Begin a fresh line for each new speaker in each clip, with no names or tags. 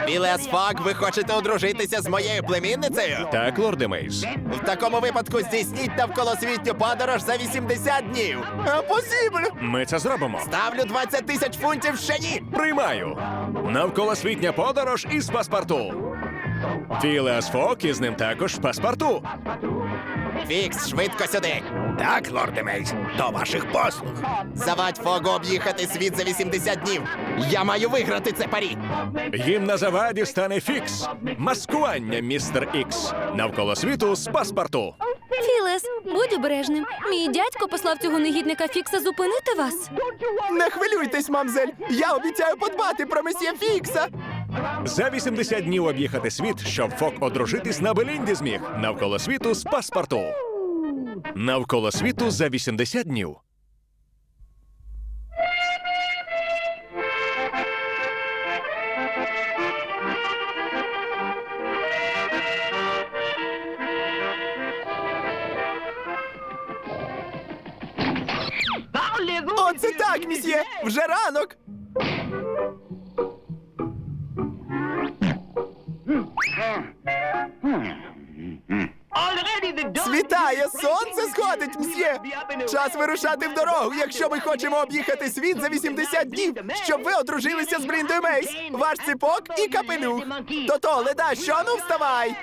Філеас Фог, ви хочете одружитися з моєю племінницею?
Так, лорде Мейз.
В такому випадку здійсніть навколосвітню подорож за 80 днів. Посіблю!
Ми це зробимо.
Ставлю 20 тисяч фунтів ще ні!
Приймаю. Навколосвітня подорож із паспорту. Філеас Фог із ним також паспорту.
Фікс, швидко сюди!
Так, лорде Мейз, до ваших послуг.
Завадь Фогу об'їхати світ за 80 днів! Я маю виграти це парі!
Їм на заваді стане Фікс. Маскування, містер Ікс. Навколо світу з паспорту.
Філес, будь обережним. Мій дядько послав цього негідника Фікса зупинити вас.
Не хвилюйтесь, мамзель! Я обіцяю подбати про месьє Фікса!
За 80 днів об'їхати світ, щоб Фог одружитись на Белінді зміг. Навколо світу з паспорту. Навколо світу за 80 днів.
Оце так, місьє! Вже ранок! Світає, сонце сходить, мсьє! Час вирушати в дорогу, якщо ми хочемо об'їхати світ за 80 днів, щоб ви одружилися з Бліндою Мейс. Ваш ципок і капелюх. То-то, леда, що? Ну, вставай!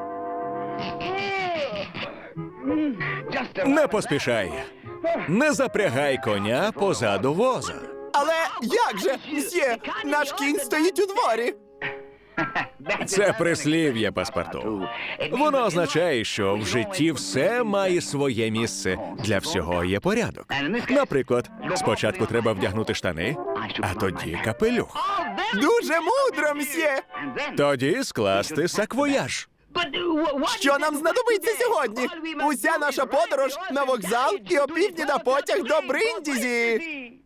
Не поспішай. Не запрягай коня позаду воза.
Але як же, мсьє, наш кінь стоїть у дворі.
Це прислів'я паспорту. Воно означає, що в житті все має своє місце. Для всього є порядок. Наприклад, спочатку треба вдягнути штани, а тоді капелюх.
Дуже мудро, мсьє!
Тоді скласти саквояж.
Що нам знадобиться сьогодні? Уся наша подорож на вокзал і опівдні на потяг до Бриндізі.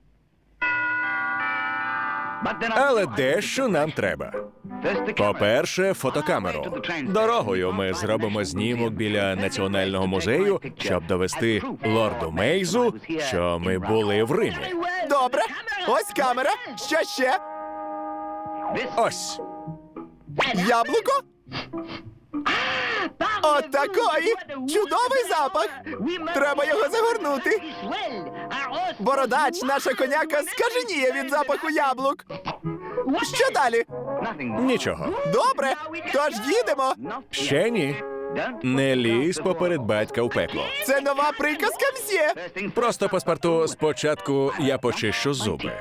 Але дещо нам треба. По-перше, фотокамеру. Дорогою ми зробимо знімок біля Національного музею, щоб довести лорду Мейзу, що ми були в Римі.
Добре, ось камера. Що ще?
Ось.
Яблуко? От такої! Чудовий запах! Треба його загорнути. Бородач, наша коняка, скаженіє від запаху яблук. Що далі?
Нічого.
Добре, тож їдемо.
Ще ні. Не лізь поперед батька в пекло.
Це нова приказка, мсьє.
Просто паспорту спочатку я почищу зуби.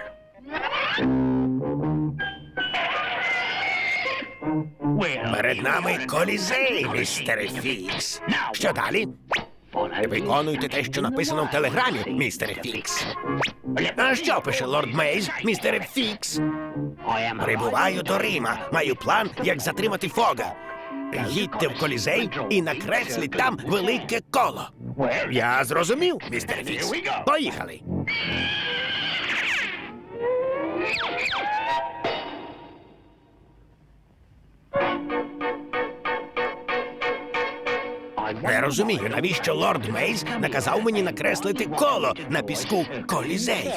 Перед нами колізей, містере Фікс. Що далі? Виконуйте те, що написано в телеграмі, містере Фікс. А що пише лорд Мейз, містере Фікс? Прибуваю до Рима. Маю план, як затримати Фога. Їдьте в колізей і накресліть там велике коло. Я зрозумів, містере Фікс. Поїхали. Не розумію, навіщо лорд Мейз наказав мені накреслити коло на піску колізею.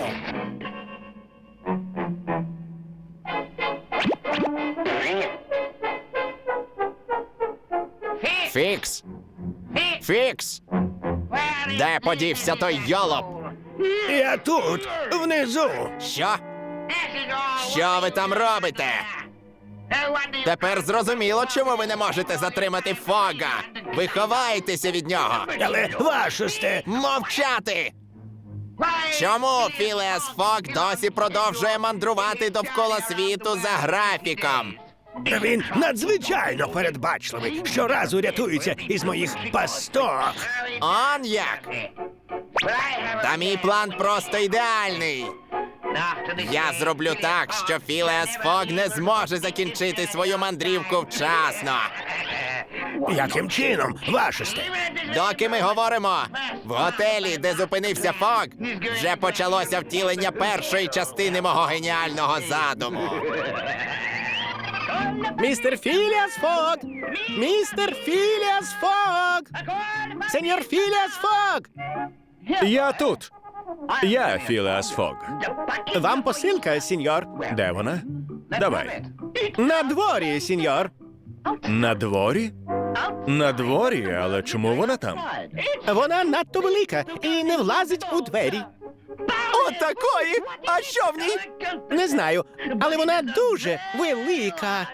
Фікс! Фікс! Де подівся той йолоп?
Я тут, внизу.
Що? Що ви там робите? Тепер зрозуміло, чому ви не можете затримати Фога. Ви ховаєтеся від нього.
Але вашосте,
Мовчати! Чому Філеас Фог досі продовжує мандрувати довкола світу за графіком?
він надзвичайно передбачливий. Щоразу рятується із моїх пасток.
Он як? Та мій план просто ідеальний. Я зроблю так, що Філеас Фог не зможе закінчити свою мандрівку вчасно.
Яким чином, вашосте?
Доки ми говоримо, в готелі, де зупинився Фог, вже почалося втілення першої частини мого геніального задуму.
Містер Філеас Фог! Містер Філеас Фог! Сеньор Філеас Фог!
Я тут. Я Філеас Фог.
Вам посилка, сеньор.
Де вона? Давай.
На дворі, сеньор.
На дворі? На дворі, але чому вона там?
Вона надто велика і не влазить у двері.
Отакої! А що в ній?
Не знаю, але вона дуже велика.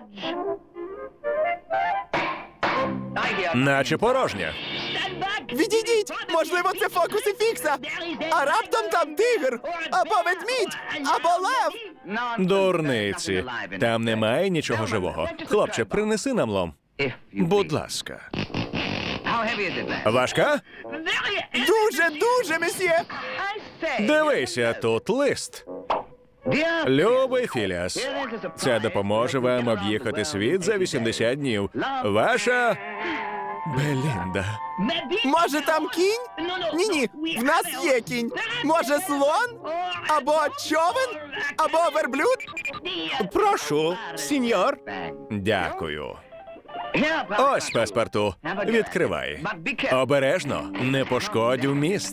Наче порожня.
Відійдіть! Можливо, це фокуси Фікса! А раптом там тигр! Або ведмідь! Або лев!
Дурниці. Там немає нічого живого. Хлопче, принеси нам лом. Будь ласка. Важка?
Дуже, месьє!
Дивися, тут лист. Любий Філіас, це допоможе вам об'їхати світ за 80 днів. Ваша Белінда.
Може, там кінь? Ні, в нас є кінь. Може, слон? Або човен? Або верблюд?
Прошу, сеньор.
Дякую. Ось паспорту. Відкривай. Обережно, не пошкодь вміст.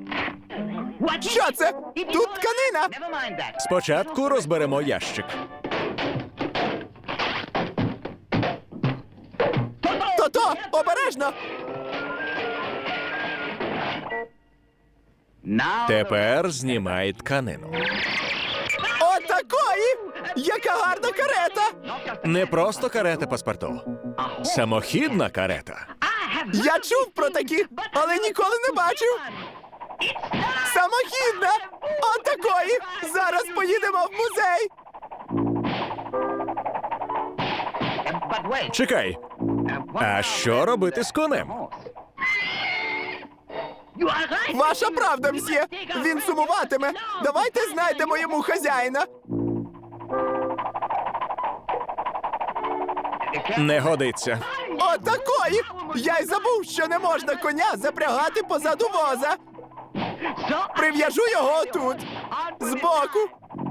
Що це? Тут тканина!
Спочатку розберемо ящик.
То-то! Обережно!
Тепер знімай тканину.
Отакої! Яка гарна карета!
Не просто карета паспорту. Самохідна карета.
Я чув про такі, але ніколи не бачив. Самохідна! Отакої! Зараз поїдемо в музей!
Чекай. А що робити з конем?
Ваша правда, мсьє! Він сумуватиме! Давайте знайдемо йому хазяїна!
Не годиться.
Отакої! Я й забув, що не можна коня запрягати позаду воза! Прив'яжу його отут, збоку!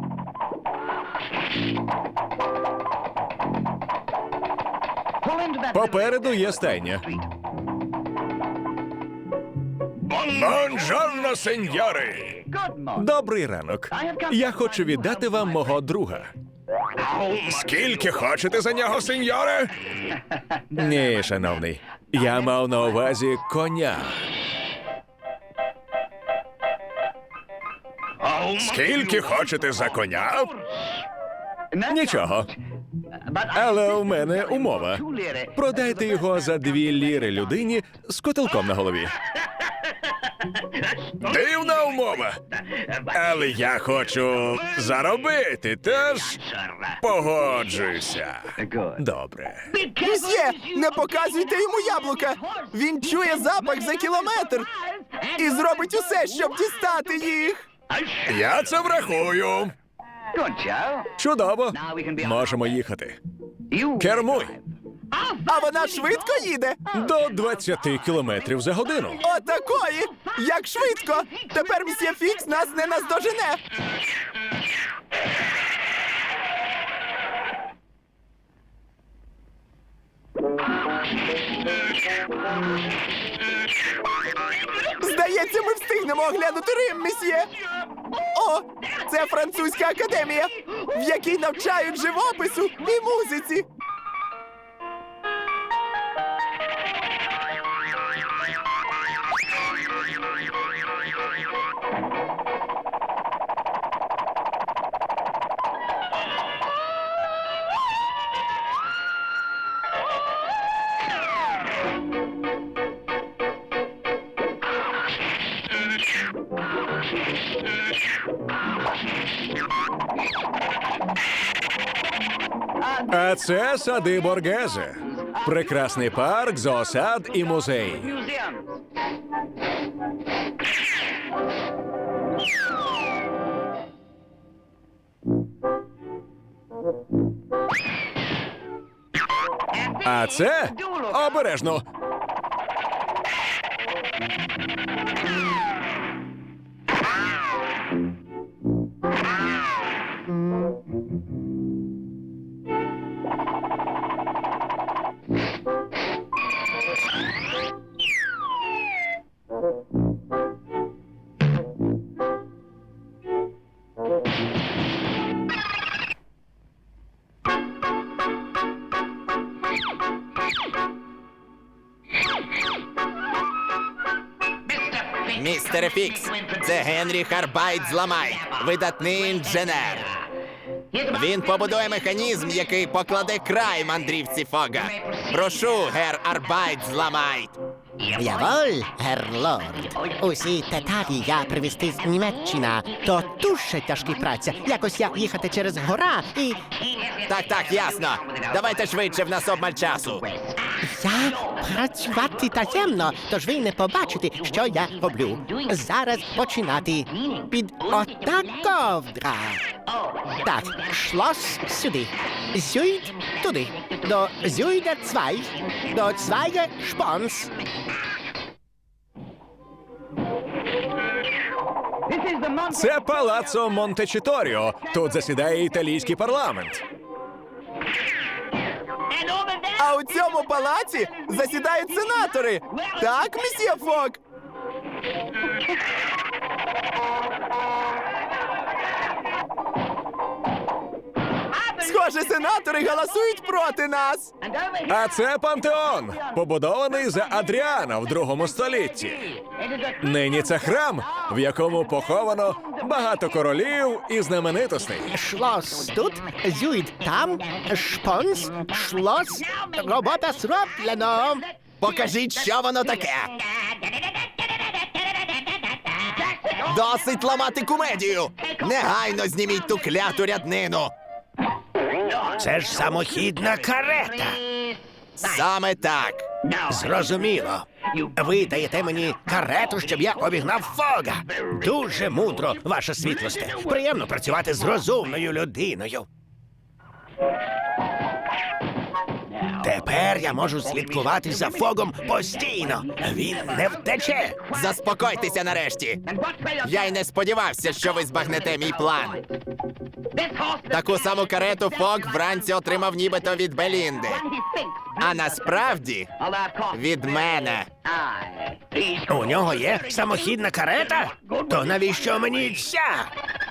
Попереду є стайня. Бонжорно, сеньори! Добрий ранок. Я хочу віддати вам мого друга. Скільки хочете за нього, сеньоре? Ні, шановний. Я мав на увазі коня. Скільки хочете за коня? Нічого. Але у мене умова. Продайте його за 2 ліри людині з котелком на голові. Дивна умова. Але я хочу заробити, тож погоджуюся. Добре.
Мсьє, не показуйте йому яблука! Він чує запах за кілометр і зробить усе, щоб дістати їх!
Я це врахую. Чудово. Можемо їхати. Кермуй.
А вона швидко їде!
До 20 кілометрів за годину.
Отакої! Як швидко! Тепер мсьє Фікс нас не наздожене! Здається, ми встигнемо оглянути Рим, месьє! О, це французька академія, в якій навчають живопису і музиці!
А це сади Боргезе. Прекрасний парк, зоосад і музей. А це обережно.
Містере Фікс, це Генрі Харбайт Зламайт, видатний інженер. Він побудує механізм, який покладе край мандрівці Фога. Прошу, гер Арбайт Зламайт.
Яволь, герлорд. Усі деталі я привезти з Німеччини. То дуже тяжка праця. Якось я їхати через гора і...
Так, ясно. Давайте швидше, в нас обмаль часу.
Я працювати таємно, тож ви не побачите, що я роблю. Зараз починати. Під ота ковдра. Так, шлос сюди. Зюйд туди. До зюйда цвай. До цвайга шпонс.
Це палацо Монтечіторіо. Тут засідає італійський парламент.
А у цьому палаці засідають сенатори. Так, месьє Фог? Схоже, сенатори голосують проти нас.
А це пантеон, побудований за Адріана в 2 столітті. Нині це храм, в якому поховано багато королів і знаменитостей.
Шлос тут, зюйд там, шпонс, шлос, робота зроблено.
Покажіть, що воно таке. Досить ламати комедію. Негайно зніміть ту кляту ряднину.
Це ж самохідна карета.
Саме так.
Зрозуміло. Ви даєте мені карету, щоб я обігнав Фога. Дуже мудро, ваша світлосте. Приємно працювати з розумною людиною. Тепер я можу слідкувати за Фогом постійно. Він не втече.
Заспокойтеся нарешті. Я й не сподівався, що ви збагнете мій план. Таку саму карету Фог вранці отримав нібито від Белінди. А насправді від мене.
У нього є самохідна карета? То навіщо мені ця?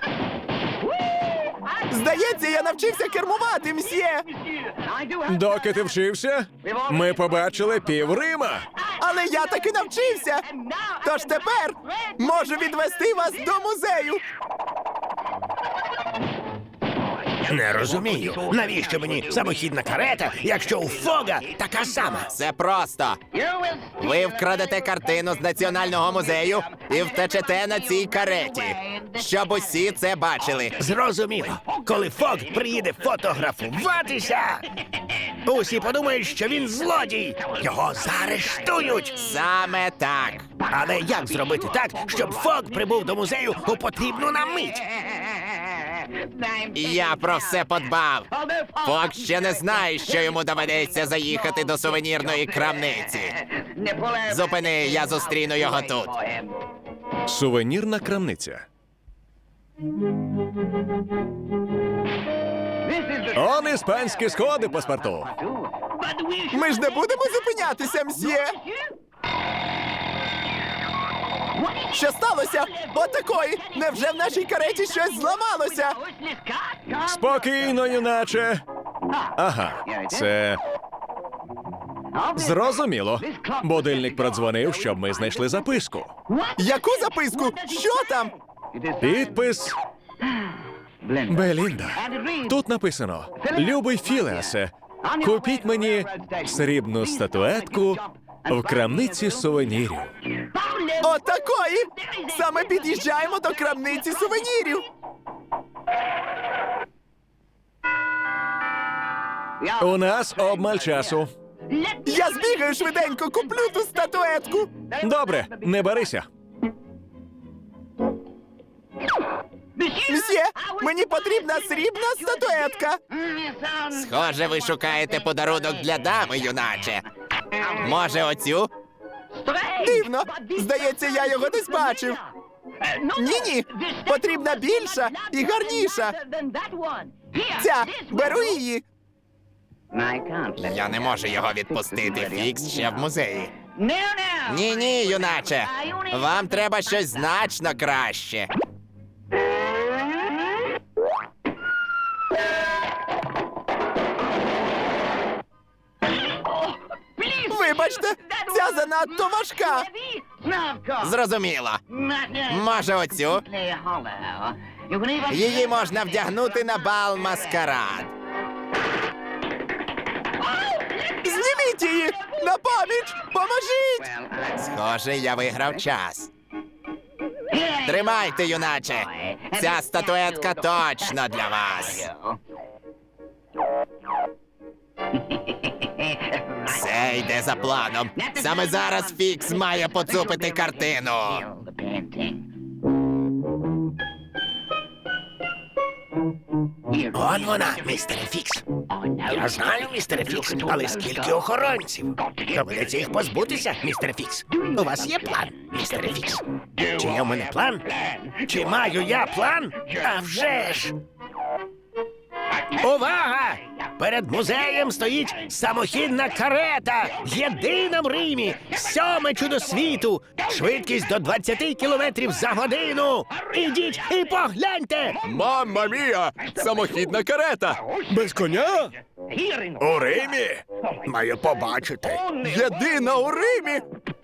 Здається, я навчився кермувати, мсьє.
Доки ти вчився, ми побачили пів Рима.
Але я таки навчився. Тож тепер можу відвести вас до музею.
Не розумію, навіщо мені самохідна карета, якщо у Фога така сама?
Все просто. Ви вкрадете картину з Національного музею і втечете на цій кареті, щоб усі це бачили.
Зрозуміло. Коли Фог приїде фотографуватися, усі подумають, що він злодій. Його заарештують.
Саме так.
Але як зробити так, щоб Фог прибув до музею у потрібну нам мить?
Я про все подбав. Фок ще не знає, що йому доведеться заїхати до сувенірної крамниці. Зупини, я зустріну його тут.
Сувенірна крамниця. Он іспанські сходи, паспорту.
Ми ж не будемо зупинятися, мсьє. Що сталося? Отакої! Невже в нашій кареті щось зламалося?
Спокійно, юначе. Ага, це... Зрозуміло. Будильник продзвонив, щоб ми знайшли записку.
Яку записку? Що там?
Підпис Белінда. Тут написано: «Любий Філеасе, купіть мені срібну статуетку в крамниці сувенірів».
Отакої! Саме під'їжджаємо до крамниці сувенірів.
У нас обмаль часу.
Я збігаю швиденько, куплю ту статуетку.
Добре, не барися.
Мсьє, мені потрібна срібна статуетка. Схоже, ви шукаєте подарунок для дами, юначе. Може, оцю? Дивно. Здається, я його десь бачив. Ні-ні, потрібна більша і гарніша. Ця, беру її. Я не можу його відпустити. Фікс ще в музеї. Ні-ні, юначе. Вам треба щось значно краще. Вибачте, ця занадто важка. Зрозуміло. Може, оцю? Її можна вдягнути на бал маскарад. Зніміть її! На поміч! Поможіть! Схоже, я виграв час. Тримайте, юначе! Ця статуетка точно для вас. Все йде за планом. Саме зараз Фікс має поцупити картину.
Он вона, містере Фікс. Я знаю, містере Фікс, але скільки охоронців? Доведеться їх позбутися, містере Фікс. У вас є план, містере Фікс? Чи є у мене план? Чи маю я план? А вже ж! Увага! Перед музеєм стоїть самохідна карета! Єдина в Римі! 7-ме чудо світу! Швидкість до 20 кілометрів за годину! Ідіть і погляньте!
Мамма мія! Самохідна карета! Без коня? У Римі?
Маю побачити.
Єдина у Римі!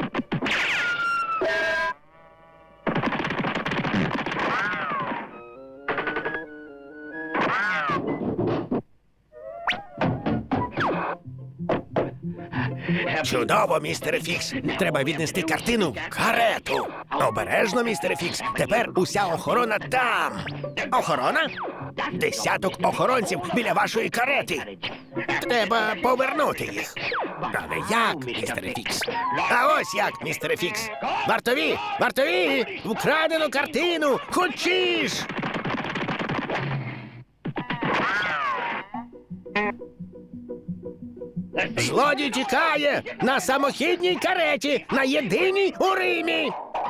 Чудово, містере Фікс. Треба віднести картину в карету. Обережно, містере Фікс. Тепер уся охорона там. Охорона? 10 охоронців біля вашої карети. Треба повернути їх. Але як, містере Фікс? А ось як, містере Фікс. Вартові! Вартові! Вкрадену картину! Хочеш! Злодій тікає на самохідній кареті, на єдиній у Римі.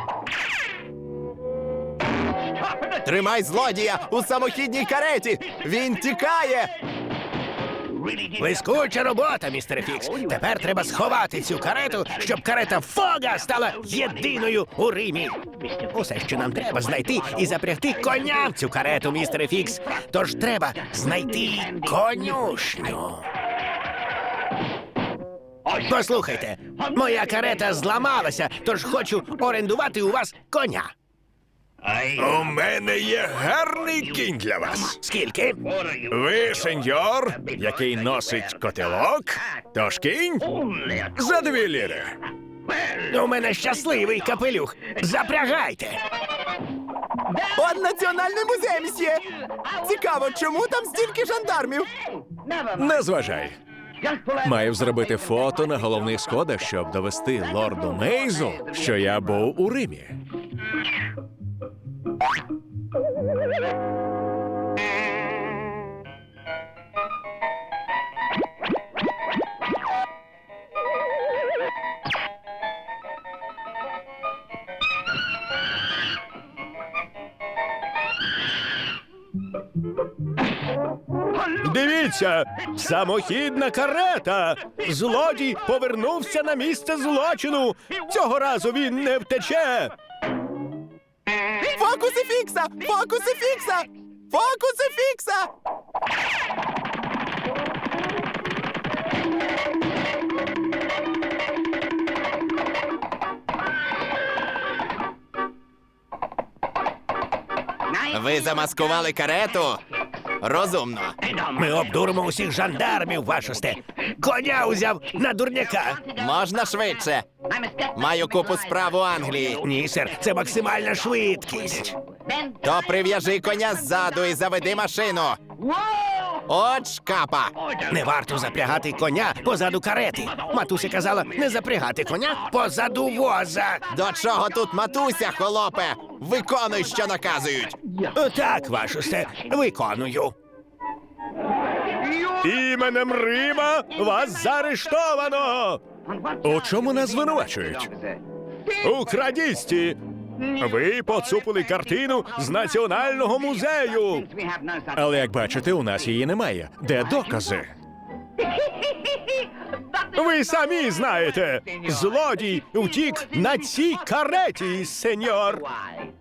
Тримай злодія у самохідній кареті! Він тікає!
Блискуча робота, містере Фікс. Тепер треба сховати цю карету, щоб карета Фога стала єдиною у Римі. Усе, що нам треба, знайти і запрягти коня в цю карету, містере Фікс. Тож треба знайти конюшню. Послухайте, моя карета зламалася, тож хочу орендувати у вас коня.
У мене є гарний кінь для вас.
Скільки?
Ви, сеньор, який носить котелок, тож кінь за 2 ліри.
У мене щасливий капелюх. Запрягайте.
Он національний музей, мсьє! Цікаво, чому там стільки жандармів?
Не зважай. Маю зробити фото на головних сходах, щоб довести лорду Мейзу, що я був у Римі.
Дивіться, самохідна карета! Злодій повернувся на місце злочину! Цього разу він не втече!
Фокуси Фікса! Фокуси Фікса! Фокуси Фікса! Ви замаскували карету? Розумно.
Ми обдуримо усіх жандармів, вашосте! Коня узяв на дурняка!
Можна швидше? Маю купу справ у Англії.
Ні, сер, це максимальна швидкість.
То прив'яжи коня ззаду і заведи машину. От шкапа!
Не варто запрягати коня позаду карети. Матуся казала не запрягати коня позаду воза.
До чого тут матуся, холопе? Виконуй, що наказують.
Так, вашосте, виконую. Іменем Рима вас заарештовано!
У чому нас звинувачують?
У крадісті! Ви поцупили картину з Національного музею!
Але, як бачите, у нас її немає. Де докази?
Ви самі знаєте! Злодій утік на цій кареті, сеньор!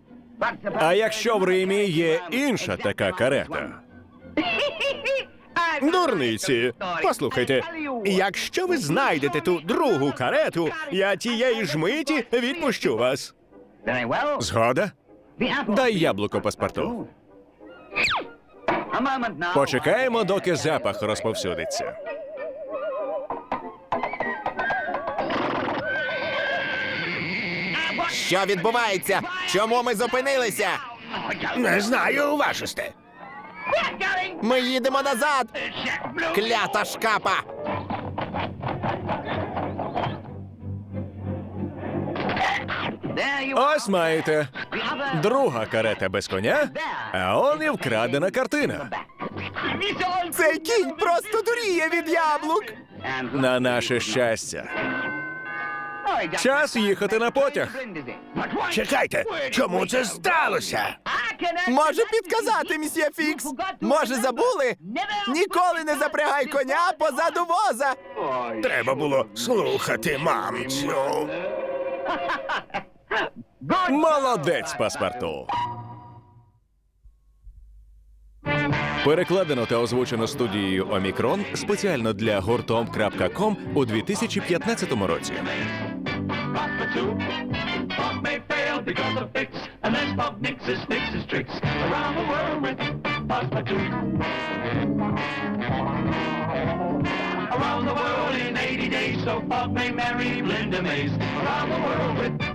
А якщо в Римі є інша така карета?
Дурниці. Послухайте, якщо ви знайдете ту другу карету, я тієї ж миті відпущу вас.
Згода? Дай яблуко паспорту. Почекаємо, доки запах розповсюдиться.
Що відбувається? Чому ми зупинилися?
Не знаю, вашосте.
Ми їдемо назад! Клята шкапа!
Ось маєте. Друга карета без коня, а он і вкрадена картина.
Цей кінь просто дуріє від яблук!
На наше щастя. Час їхати на потяг.
Чекайте, чому це сталося?
Може підказати, мсьє Фікс? Може забули? Ніколи не запрягай коня позаду воза!
Треба було слухати мамцю.
Молодець, паспорту. Перекладено та озвучено студією Омікрон спеціально для гуртом.ком у 2015 році.
Bob may fail because of fix, and then Bob mixes tricks around the world with Passepartout. Around the world in 80 days, so Bob may marry Linda Mays. Around the world with